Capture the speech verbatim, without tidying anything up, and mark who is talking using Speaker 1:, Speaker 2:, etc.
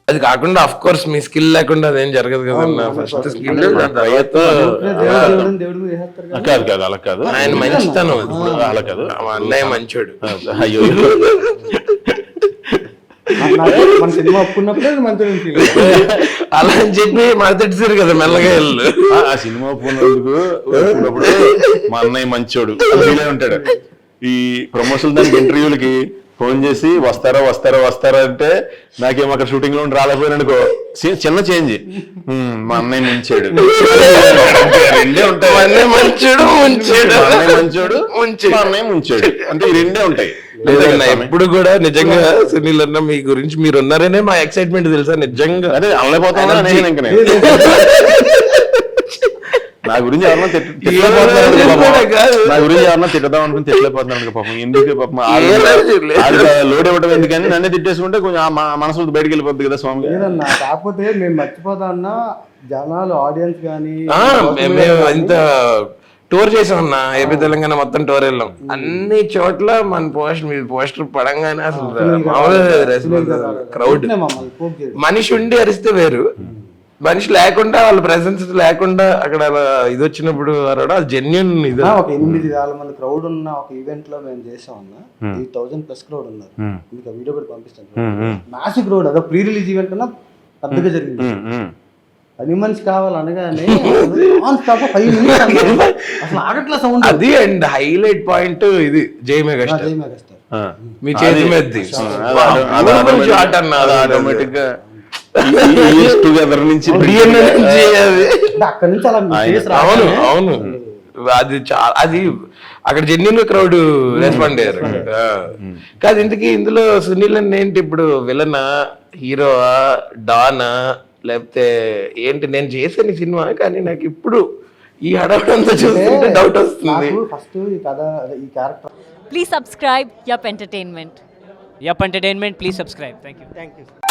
Speaker 1: అది కాకుండా of course me skill లేకుండా అదేం జరగదు కదన్నా. ఫస్ట్ స్కిల్ తర్వాత
Speaker 2: కాదు కాదు అలా కాదు,
Speaker 1: ఆయన మంచితనం అది.
Speaker 2: ఇప్పుడు అలా కాదు,
Speaker 1: మా అన్నయ్య మంచోడు.
Speaker 2: అయ్యో
Speaker 3: మన సినిమా ఒప్పుకున్నప్పుడే మంచిగా
Speaker 1: అలా అని చెప్పి మడతెట్టారు కదా మెల్లగా వెళ్ళు.
Speaker 2: ఆ సినిమా పోయినందుకు అప్పుడప్పుడు మా అన్నయ్య మంచోడు ఫీల్ ఉంటాడు. ఈ ప్రమోషన్ దానికి ఇంటర్వ్యూలకి ఫోన్ చేసి వస్తారా వస్తారా వస్తారా అంటే నాకేమో అక్కడ షూటింగ్ లో రాలేకపోయినా అనుకో, చిన్న చేంజ్ మా అన్నయ్య మంచాడు రెండే ఉంటాయి.
Speaker 1: మా అన్నయ్య మంచోడు ముంచాడు,
Speaker 2: మా అన్నయ్య మంచోడు మా అన్నయ్య ముంచాడు అంటే ఈ రెండే ఉంటాయి.
Speaker 1: లేదన్నా ఎప్పుడు కూడా నిజంగా సునీల్ అన్న మీ గురించి మీరు ఉన్నారనే మా ఎక్సైట్మెంట్ తెలుసా నిజంగా.
Speaker 2: అదే అనలేకపోతున్నా నేను ఇంకా నేను నా గురించి ఎవరన్నా నా గురించి ఎవరన్నా తిట్టదాం అనుకుని తిట్టలేకపోతున్నాను పాపం. ఎందుకు పాపం లోడ్ ఇవ్వడం ఎందుకని నన్నే తిట్టేసుకుంటే కొంచెం మనసు బయటకు వెళ్ళిపోద్ది కదా స్వామి.
Speaker 3: లేదన్నా కాకపోతే నేను మర్చిపోతా అన్నా జనాలు ఆడియన్స్ కానీ
Speaker 1: మేము ఇంత టూర్ చేసాం అన్న, ఏపీ తెలంగాణ మొత్తం టూర్ వెళ్ళాం. అన్ని చోట్ల మన పోస్టర్ మీ పోస్టర్ పడంగానే అసలు మామూలుగా క్రౌడ్. మనిషి ఉండి అరిస్తే వేరు, మనిషి లేకుండా వాళ్ళ ప్రెసెన్స్ లేకుండా అక్కడ ఇది వచ్చినప్పుడు అది జెన్యున్ ఇది.
Speaker 3: ఒక ఎనిమిది వేల మంది క్రౌడ్ ఉన్న ఒక ఈవెంట్ లో మేము చేసాం అన్న, ఎయిట్ థౌసండ్ ప్లస్ క్రౌడ్ ఉన్నారు. మీకు వీడియో కూడా పంపిస్తాను. మ్యాసివ్ క్రౌడ్, అదో ప్రీ రిలీజ్ ఈవెంట్ కన్నా పెద్దగా జరిగింది. పది మనిషి కావాలనగానే ఫైవ్ మినిట్స్ అసలు ఆగట్ల సౌండ్
Speaker 1: అది. అండ్ హైలైట్ పాయింట్ ఇది జై మెగాస్టార్,
Speaker 3: జై మెగాస్టార్
Speaker 1: మీ చేతి మీద ఆటోమేటిక్ గా
Speaker 2: టుగెదర్ నుంచి
Speaker 3: అక్కడ నుంచి అలా
Speaker 1: అవును అవును అది చాలా అది అక్కడ జెన్యున్ క్రౌడ్ రెస్పాండ్ అయ్యారు. కాదు ఇంతకీ ఇందులో సునీల్ అన్న ఏంటి ఇప్పుడు విలనా, హీరోవా, డానా, లేకపోతే ఏంటి? నేను చేశాను ఈ సినిమా కానీ నాకు ఇప్పుడు ఈ హడావిడంతా చూస్తుంటే డౌట్ వస్తుంది.
Speaker 3: ఫస్ట్ ఈ కథ ఈ character.
Speaker 4: Please subscribe Yup Entertainment.
Speaker 5: Yup Entertainment, please subscribe. Thank you.
Speaker 3: Thank you.